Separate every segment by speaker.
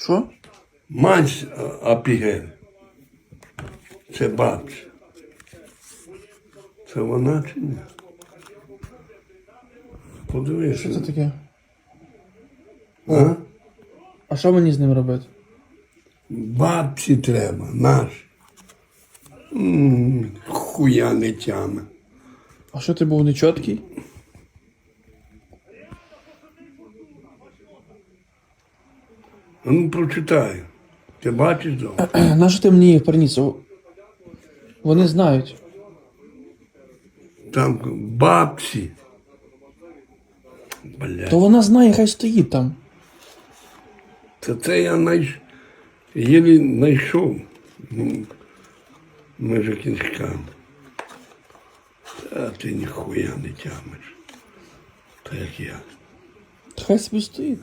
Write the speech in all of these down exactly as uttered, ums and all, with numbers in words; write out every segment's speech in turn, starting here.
Speaker 1: Що?
Speaker 2: Мать Апігель. Це бабця. Це вона чи ні? Подивися.
Speaker 1: Що це таке?
Speaker 2: А?
Speaker 1: А що мені з ним робити?
Speaker 2: Бабці треба, наш. М, Хуя не тяме.
Speaker 1: А що ти був нечіткий?
Speaker 2: А ну прочитай. Ти бачиш дома?
Speaker 1: Нащо ти мені їх приніс? О, вони знають.
Speaker 2: Там бабці. Блядь.
Speaker 1: То вона знає, хай стоїть там.
Speaker 2: Це це я найш... єлі знайшов. Ну, межи кінчками. Та ти ніхуя не тямиш. Та як я.
Speaker 1: Хай собі стоїть.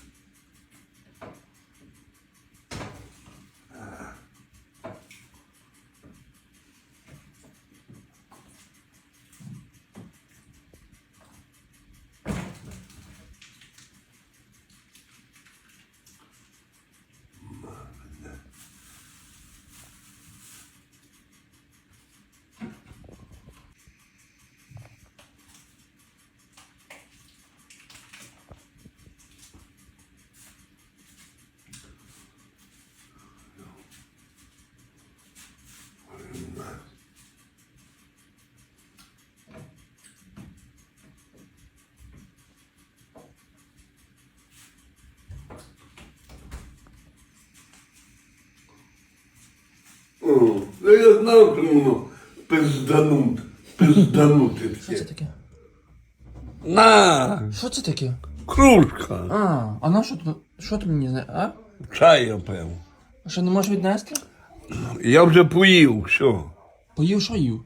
Speaker 2: О, ну я знав, що воно пизданут. Пизданути
Speaker 1: Що це
Speaker 2: таке.
Speaker 1: таке?
Speaker 2: На!
Speaker 1: Що це таке?
Speaker 2: Кружка.
Speaker 1: А, а на що ти, що ти мені знаєш? А?
Speaker 2: Чай я пив.
Speaker 1: А що, не можеш віднести?
Speaker 2: Я вже поїв, що?
Speaker 1: Поїв, що їв?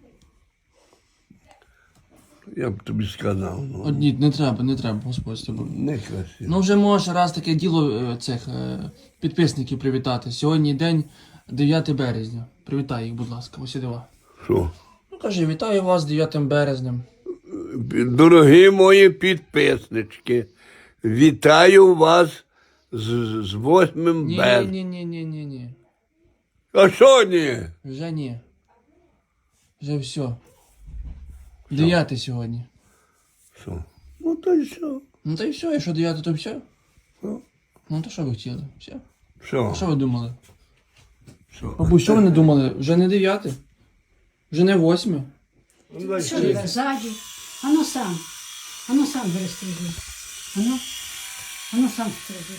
Speaker 2: Я б тобі сказав. Ну,
Speaker 1: Одні, не треба, не треба, Господь з тобою.
Speaker 2: не красиво.
Speaker 1: Ну вже можеш раз таке діло е, цих е, підписників привітати. Сьогодні день дев'яте березня. Привітай їх, будь ласка, ось дива.
Speaker 2: Що?
Speaker 1: Ну кажи, вітаю вас з дев'ятим березнем.
Speaker 2: Дорогі мої підписнички, вітаю вас з, з восьмим
Speaker 1: Ні,
Speaker 2: березня.
Speaker 1: ні, ні, ні, ні, ні.
Speaker 2: А що ні?
Speaker 1: Вже ні. Вже все. Дев'яте сьогодні.
Speaker 2: Що? Ну то й що?
Speaker 1: Ну та й все, якщо дев'яте, то все.
Speaker 2: Що?
Speaker 1: Ну то що ви хотіли? Все.
Speaker 2: Що?
Speaker 1: А що ви думали?
Speaker 2: Що?
Speaker 1: Бабусь, що ви не думали? Вже не дев'яте? Вже не восьме?
Speaker 3: Що ти ззаді? Ану сам. Ану сам бери стрижи. Ану. Ану сам стрижи.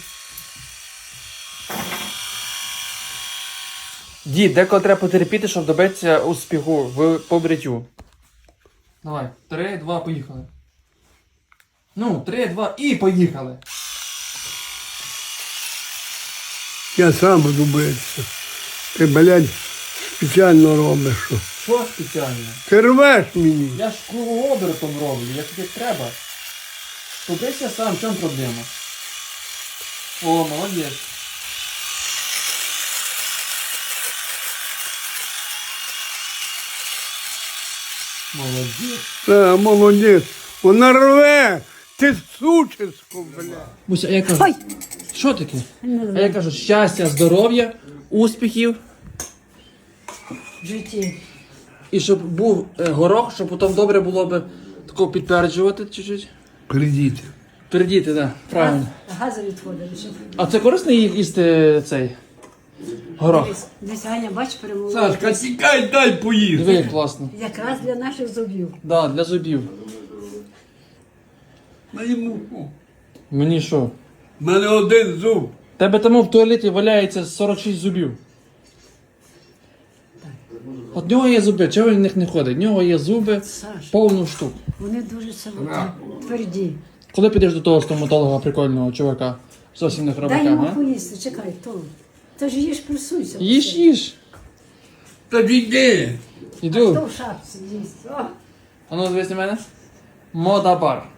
Speaker 1: Дід, деколи треба потерпіти, щоб добитися успіху в побриттю. Давай, три, два, поїхали. Ну, три, два і поїхали.
Speaker 2: Я сам буду битися. Ти, блядь, спеціально робиш, що.
Speaker 1: Що спеціально?
Speaker 2: Ти рвеш мені.
Speaker 1: Я ж кругообертом роблю, як тобі треба. Побрися сам, в чому проблема? О, молодець. Молодець.
Speaker 2: Та, молодець. Вона рве. Ти сучисько, блядь.
Speaker 1: Буся, а я кажу,
Speaker 3: Ой!
Speaker 1: що таке? А я кажу, щастя, здоров'я, успіхів.
Speaker 3: В житті.
Speaker 1: І щоб був е, горох, щоб потім добре було б тако підтверджувати чуть-чуть.
Speaker 2: Придіть.
Speaker 1: Передіти, так, правильно.
Speaker 3: Гази відходили. Щоб...
Speaker 1: А це корисно ї- їсти цей горох?
Speaker 3: Дивись, дивись, Аня, бач, перемогла.
Speaker 2: Сашка, тікай, дай поїсти.
Speaker 1: Диви, як класно.
Speaker 3: Якраз для наших зубів.
Speaker 1: Да, для зубів.
Speaker 2: На йому.
Speaker 1: Мені що?
Speaker 2: У мене один зуб.
Speaker 1: Тебе тому в туалеті валяється сорок шість зубів. От в нього є зуби, чого він в них не ходить? В нього є зуби
Speaker 3: Саш,
Speaker 1: повну штук.
Speaker 3: вони дуже самотні, тверді.
Speaker 1: Коли підеш до того стоматолога прикольного чувака? Зовсім не
Speaker 3: Дай
Speaker 1: хробака,
Speaker 3: йому
Speaker 1: а?
Speaker 3: поїсти, чекай, то. Та ж їж, присуйся.
Speaker 1: Їж, їж.
Speaker 2: Та йди.
Speaker 1: Іду.
Speaker 3: Хто в шапці їсть? О,
Speaker 1: А ну, дивись на мене. Мода бар.